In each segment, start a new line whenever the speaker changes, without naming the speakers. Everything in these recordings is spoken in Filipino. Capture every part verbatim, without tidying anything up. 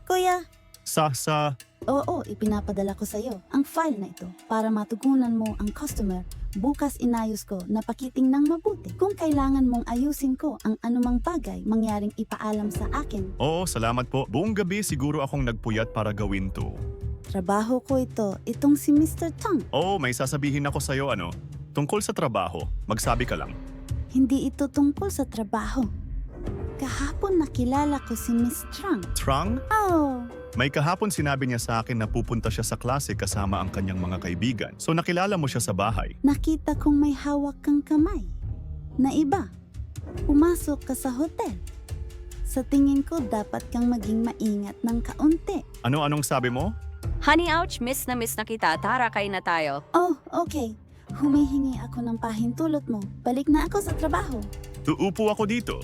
Kuya,
Sa, sa,
oo, ipinapadala ko sa'yo ang file na ito para matugunan mo ang customer. Bukas inayos ko na pakiting ng mabuti. Kung kailangan mong ayusin ko ang anumang bagay, mangyaring ipaalam sa akin.
oo, salamat po. Buong gabi siguro akong nagpuyat para gawin to.
Trabaho ko ito, itong si mister Tang.
Oo, may sasabihin ako sa'yo ano. Tungkol sa trabaho, magsabi ka lang.
Hindi ito tungkol sa trabaho. Kahapon nakilala ko si Miss Trang.
Trang?
Oh,
May kahapon sinabi niya sa akin na pupunta siya sa klase kasama ang kanyang mga kaibigan. So nakilala mo siya sa bahay.
nakita kong may hawak kang kamay. Na iba, pumasok ka sa hotel. Sa tingin ko, dapat kang maging maingat ng kaunti.
Ano-anong sabi mo?
Honey, ouch, miss na miss na kita. Tara, kain na tayo.
Oh, okay. Humihingi ako ng pahintulot mo. Balik na ako sa trabaho.
Uupo ako dito.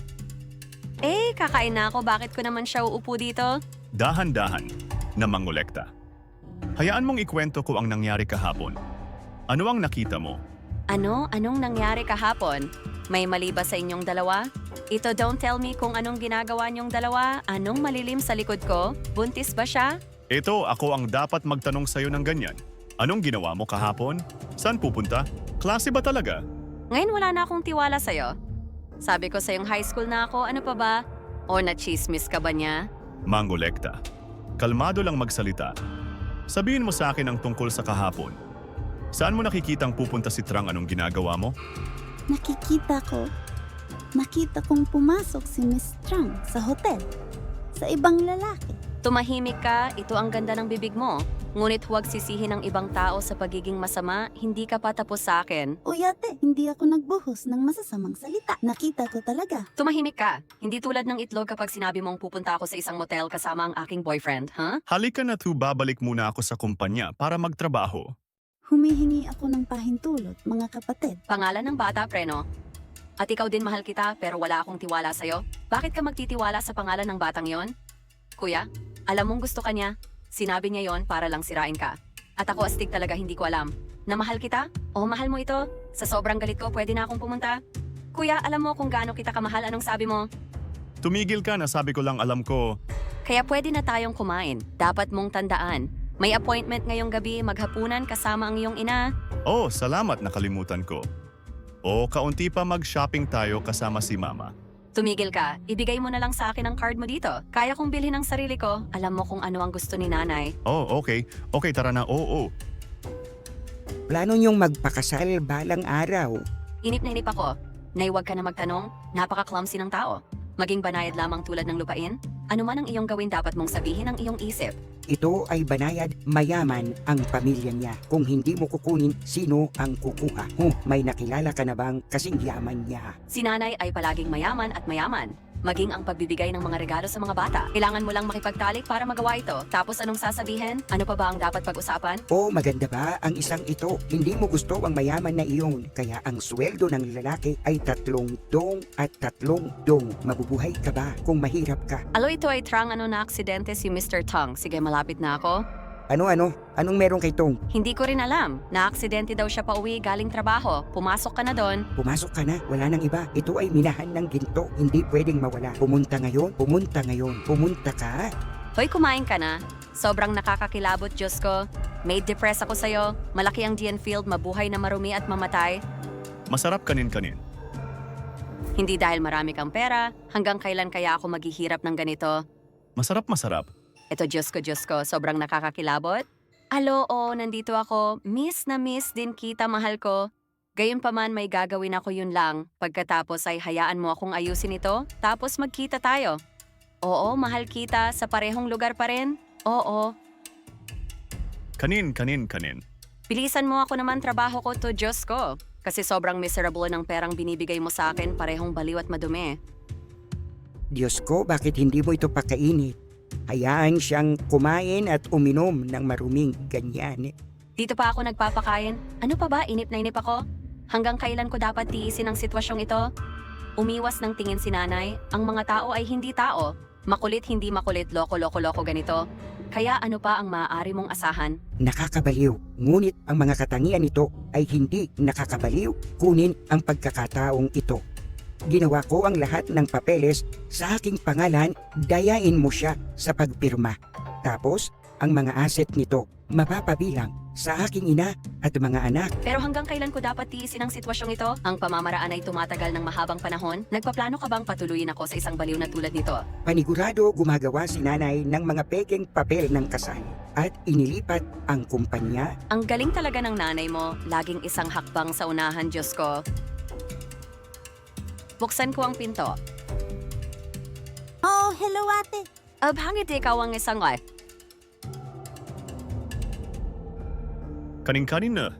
Eh, kakain na ako. Bakit ko naman siya uupo dito?
Dahan-dahan na mangolekta. Hayaan mong ikwento ko ang nangyari kahapon. Ano ang nakita mo?
Ano? Anong nangyari kahapon? May mali ba sa inyong dalawa? Ito, don't tell me kung anong ginagawa niyong dalawa. Anong malilim sa likod ko? Buntis ba siya?
Ito, ako ang dapat magtanong sa'yo ng ganyan. Anong ginawa mo kahapon? Saan pupunta? Klase ba talaga?
Ngayon wala na akong tiwala sa'yo. Sabi ko sa'yong high school na ako, ano pa ba? O na-chismis ka ba niya?
Mangolekta. Kalmado lang magsalita. Sabihin mo sa akin ang tungkol sa kahapon. Saan mo nakikitang pupunta si Trang? Anong ginagawa mo?
Nakikita ko, nakita kong pumasok si Miss Trang sa hotel. Sa ibang lalaki.
Tumahimik ka, ito ang ganda ng bibig mo. Ngunit huwag sisihin ng ibang tao sa pagiging masama, hindi ka pa tapos sa akin.
Uyate, hindi ako nagbuhos ng masasamang salita. Nakita ko talaga.
Tumahimik ka. Hindi tulad ng itlog kapag sinabi mong pupunta ako sa isang motel kasama ang aking boyfriend, ha?
Halika na to, babalik muna ako sa kumpanya para magtrabaho.
Humihingi ako ng pahintulot, mga kapatid.
Pangalan ng bata, preno. At ikaw din mahal kita pero wala akong tiwala sa'yo. Bakit ka magtitiwala sa pangalan ng batang yon? Kuya, alam mong gusto ka niya. Sinabi niya yon para lang sirain ka. At ako astig talaga hindi ko alam. Na mahal kita? O mahal mo ito? Sa sobrang galit ko pwede na akong pumunta? Kuya, alam mo kung gaano kita kamahal, anong sabi mo?
Tumigil ka na, sabi ko lang alam ko.
Kaya pwede na tayong kumain. Dapat mong tandaan. May appointment ngayong gabi, maghapunan kasama ang iyong ina.
Oh, salamat, nakalimutan ko. O, kaunti pa mag-shopping tayo kasama si Mama.
Tumigil ka, ibigay mo na lang sa akin ang card mo dito. Kaya kong bilhin ang sarili ko. Alam mo kung ano ang gusto ni nanay.
Oh, okay. Okay, tara na. Oo,
Plano niyong magpakasal balang araw.
Inip na inip ako. Naiwag ka na magtanong, napaka-clumsy ng tao. Maging banayad lamang tulad ng lupain. Ano man ang iyong gawin dapat mong sabihin ang iyong isip.
Ito ay banayad, mayaman ang pamilya niya. Kung hindi mo kukunin, sino ang kukuha? Huh, may nakilala ka na bang kasing yaman niya?
Si nanay ay palaging mayaman at mayaman. Maging ang pagbibigay ng mga regalo sa mga bata. Kailangan mo lang makipagtalik para magawa ito. Tapos anong sasabihin? Ano pa ba ang dapat pag-usapan?
O maganda ba ang isang ito? Hindi mo gusto ang mayaman na iyon. Kaya ang sweldo ng lalaki ay tatlong dong at tatlong dong. Mabubuhay ka ba kung mahirap ka?
Alo, ito ay trang ano na aksidente si mister Tong. Sige, malapit na ako.
Ano-ano? Anong meron kay Tong?
Hindi ko rin alam. Na-aksidente daw siya pa uwi galing trabaho. Pumasok ka na doon.
Pumasok ka na, wala nang iba. Ito ay minahan ng ginto. Hindi pwedeng mawala. Pumunta ngayon, pumunta ngayon, pumunta ka.
Hoy, kumain ka na. Sobrang nakakakilabot, Diyos ko. Made depress ako sa'yo. Malaki ang D N field, mabuhay na marumi at mamatay.
masarap kanin-kanin.
Hindi dahil marami kang pera, hanggang kailan kaya ako maghihirap ng ganito?
Masarap-masarap.
Ito, Diyos ko, Diyos ko, sobrang nakakakilabot. Alo, oh, nandito ako. Miss na miss din kita, mahal ko. Gayunpaman may gagawin ako yun lang. Pagkatapos ay hayaan mo akong ayusin ito, tapos magkita tayo. Oo, mahal kita, sa parehong lugar pa rin. Oo.
Kanin, kanin, kanin.
Bilisan mo ako naman trabaho ko to, Diyos ko. Kasi sobrang miserable ng perang binibigay mo sa akin, parehong baliw at madumi.
Diyos ko, bakit hindi mo ito pakainit? Hayaan siyang kumain at uminom ng maruming ganyan.
Dito pa ako nagpapakain. Ano pa ba, inip na inip ako? Hanggang kailan ko dapat tiisin ang sitwasyong ito? Umiwas ng tingin si nanay, ang mga tao ay hindi tao. Makulit hindi makulit, loko-loko-loko ganito. Kaya ano pa ang maaari mong asahan?
Nakakabaliw. Ngunit ang mga katangian nito ay hindi nakakabaliw. Kunin ang pagkakataong ito. Ginawa ko ang lahat ng papeles sa aking pangalan, dayain mo siya sa pagpirma. Tapos, ang mga asset nito mapapabilang sa aking ina at mga anak.
Pero hanggang kailan ko dapat tiisin ang sitwasyong ito? Ang pamamaraan ay tumatagal ng mahabang panahon? Nagpaplano ka bang patuloyin ako sa isang baliw na tulad nito?
Panigurado gumagawa si nanay ng mga pekeng papel ng kasal at inilipat ang kumpanya.
Ang galing talaga ng nanay mo, laging isang hakbang sa unahan, Diyos ko. Buksan ko ang pinto.
Oh, hello ate.
Abhangit ikaw ang isang wife.
Kaning-kanin na.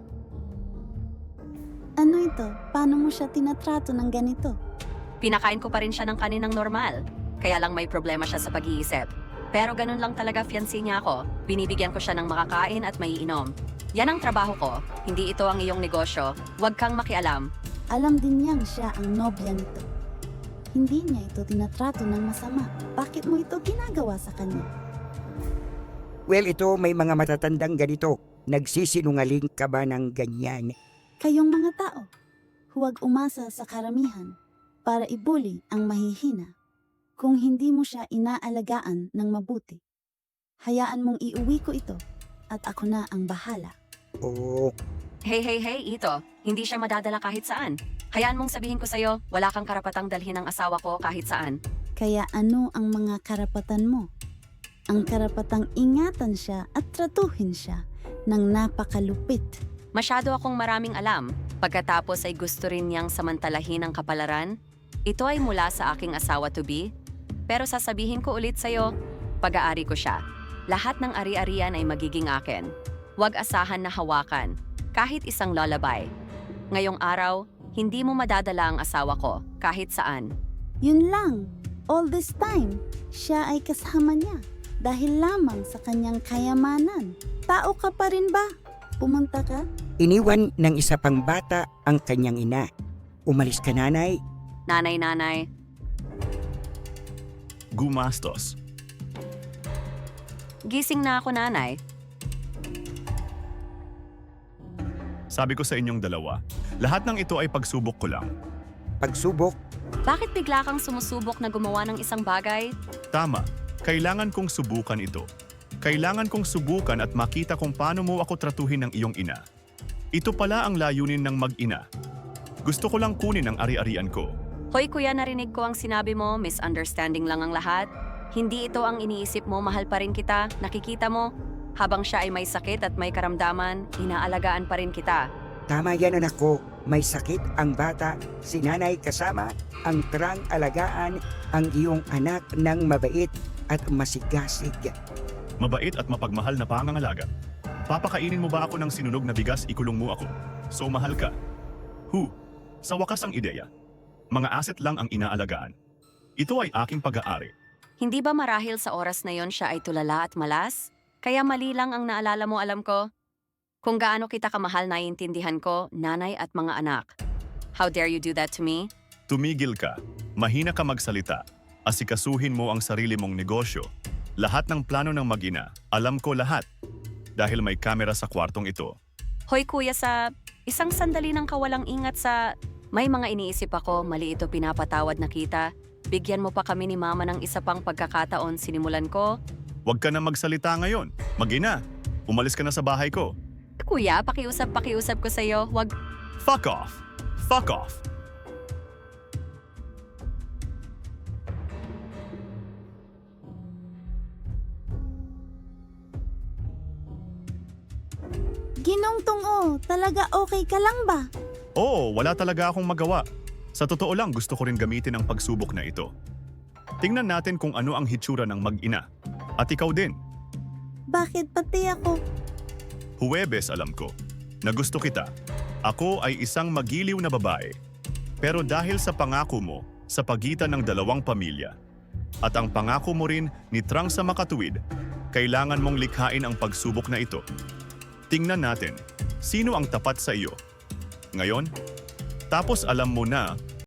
Ano ito? Paano mo siya tinatrato ng ganito?
Pinakain ko pa rin siya ng kaninang normal. Kaya lang may problema siya sa pag-iisip. Pero ganun lang talaga fiancé niya ako. Binibigyan ko siya ng makakain at maiinom. Yan ang trabaho ko. Hindi ito ang iyong negosyo. Huwag kang makialam.
Alam din niyang siya ang nobya nito. Hindi niya ito tinatrato ng masama. Bakit mo ito ginagawa sa kanya?
Well, ito may mga matatandang ganito. Nagsisinungaling ka ba ng ganyan?
Kayong mga tao, huwag umasa sa karamihan para ibuli ang mahihina. Kung hindi mo siya inaalagaan ng mabuti, hayaan mong iuwi ko ito at ako na ang bahala.
Oo,
Hey, hey, hey, ito. Hindi siya madadala kahit saan. Hayaan mong sabihin ko sa'yo, wala kang karapatang dalhin ang asawa ko kahit saan.
Kaya ano ang mga karapatan mo? Ang karapatang ingatan siya at tratuhin siya ng napakalupit.
Masyado akong maraming alam. Pagkatapos ay gusto rin niyang samantalahin ang kapalaran. Ito ay mula sa aking asawa-to-be. Pero sasabihin ko ulit sa'yo, pag-aari ko siya. Lahat ng ari-arian ay magiging akin. Huwag asahan na hawakan. Kahit isang lullaby. Ngayong araw, hindi mo madadala ang asawa ko kahit saan.
Yun lang, all this time, siya ay kasama niya dahil lamang sa kanyang kayamanan. Tao ka pa rin ba? Pumunta ka?
iniwan ng isa pang bata ang kanyang ina. Umalis ka, nanay.
Nanay-nanay,
Gumastos.
gising na ako, nanay.
Sabi ko sa inyong dalawa, lahat ng ito ay pagsubok ko lang.
Pagsubok,
Bakit bigla kang sumusubok na gumawa ng isang bagay?
Tama, kailangan kong subukan ito. Kailangan kong subukan at makita kung paano mo ako tratuhin ng iyong ina. Ito pala ang layunin ng mag-ina. Gusto ko lang kunin ang ari-arian ko.
Hoy kuya, narinig ko ang sinabi mo, misunderstanding lang ang lahat. Hindi ito ang iniisip mo, mahal pa rin kita, nakikita mo. Habang siya ay may sakit at may karamdaman, inaalagaan pa rin kita.
tama yan, anak ko. May sakit ang bata, si nanay kasama, ang trang alagaan ang iyong anak ng mabait at masigasig.
Mabait at mapagmahal na pangangalaga. Papakainin mo ba ako ng sinunog na bigas, ikulong mo ako? So mahal ka. Hu, sa wakas ang ideya. Mga asset lang ang inaalagaan. Ito ay aking pag-aari.
Hindi ba marahil sa oras na yon siya ay tulala at malas? Kaya mali lang ang naalala mo, alam ko. Kung gaano kita kamahal, naiintindihan ko, nanay at mga anak. How dare you do that to me?
Tumigil ka. Mahina ka magsalita. Asikasuhin mo ang sarili mong negosyo. Lahat ng plano ng mag-ina, alam ko lahat. Dahil may kamera sa kwartong ito.
Hoy kuya, sa isang sandali ng kawalang ingat sa... May mga iniisip ako, mali ito pinapatawad na kita. Bigyan mo pa kami ni mama ng isa pang pagkakataon, sinimulan ko.
Huwag ka na magsalita ngayon. Mag-ina. Umalis ka na sa bahay ko.
Kuya, pakiusap-pakiusap ko sa'yo, wag...
Fuck off! Fuck off!
Ginongtong oh, talaga okay ka lang ba?
Oo, wala talaga akong magawa. Sa totoo lang, gusto ko rin gamitin ang pagsubok na ito. Tingnan natin kung ano ang hitsura ng mag-ina. At ikaw din.
Bakit pati ako?
Huwebes, alam ko, na gusto kita. Ako ay isang magiliw na babae. Pero dahil sa pangako mo sa pagitan ng dalawang pamilya, at ang pangako mo rin ni Trang sa makatuwid, kailangan mong likhain ang pagsubok na ito. Tingnan natin, sino ang tapat sa iyo. Ngayon, tapos alam mo na